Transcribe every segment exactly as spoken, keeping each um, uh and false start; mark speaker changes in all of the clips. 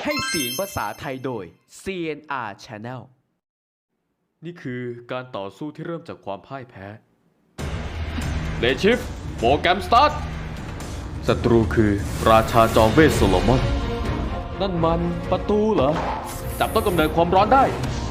Speaker 1: ให้เสียงภาษาไทยโดย ซี เอ็น อาร์ Channel นี่คือการต่อสู้ที่เริ่มจากความพ่ายแพ้เลชิฟโปรแกรมสตาร์ทศัตรูคือราชาจอมเวทโซโลมอนนั่นมันประตูเหรอ จับต้นกำเนิดความร้อนได้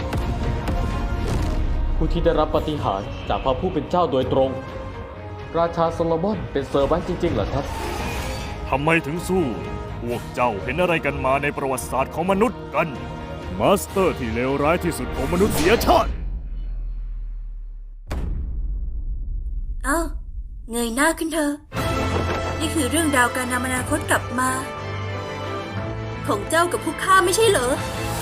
Speaker 1: ผู้ที่ได้รับปาฏิหาริย์จากพระผู้เป็นเจ้าโดยตรง ราชาโซโลมอนเป็นเซอร์วันต์จริงๆเหรอครับ
Speaker 2: ทำไมถึงสู้ พวกเจ้าเห็นอะไรกันมาในประวัติศาสตร์ของมนุษย์กัน มาสเตอร์ที่เลวร้ายที่สุดของมนุษยชาติ
Speaker 3: เอ้าเงยหน้าขึ้นเถอะนี่คือเรื่องราวการนำอนาคตกลับมา ของเจ้ากับพวกข้าไม่ใช่เหรอ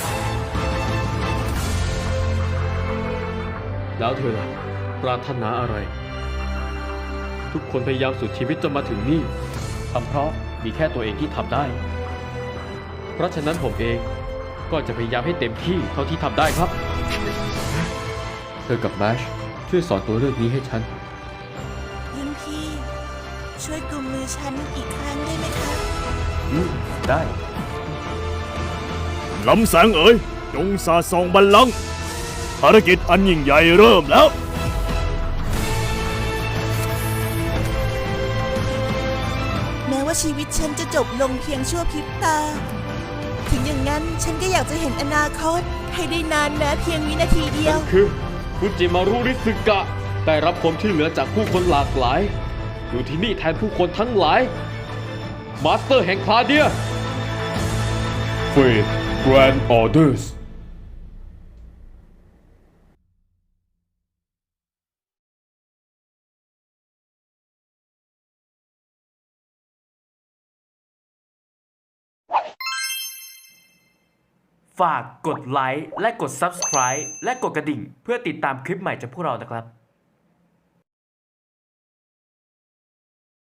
Speaker 1: แล้วเธอล่ะปรารถนาอะไร ทุกคนพยายามสุดชีวิตจนมาถึงนี่ทำเพราะมีแค่ตัวเองที่ทำได้ เพราะฉะนั้นผมเองก็จะพยายามให้เต็มที่เท่าที่ทำได้ครับ เธอกับแมชช่วยสอนตัวเรื่องนี้ให้ฉัน
Speaker 4: รุ่นพี่ ช่วยกุมมือฉันอีกครั้งได้ไหมคะ
Speaker 1: อืม ได้
Speaker 2: ลำแสงเอ๋ย จงสาดส่องบัลลังก์ภารกิจอันยิ่งใหญ่เริ่มแล้ว
Speaker 4: แม้ว่าชีวิตฉันจะจบลงเพียงชั่วพริบตา ถึงอย่างนั้นฉันก็อยากจะเห็นอนาคตให้ได้นานแม้เพียงวินาทีเดียว
Speaker 1: คือคุณจิมารุริสึกะได้รับความช่วยเหลือจากผู้คนหลากหลาย อยู่ที่นี่แทนผู้คนทั้งหลาย มาสเตอร์แห่งคลาเดียเฟดแกรนด์ออเดอร์สฝากกดไลค์และกด ซับสไครบ์ และกดกระดิ่งเพื่อติดตามคลิปใหม่จากพวกเรานะครับ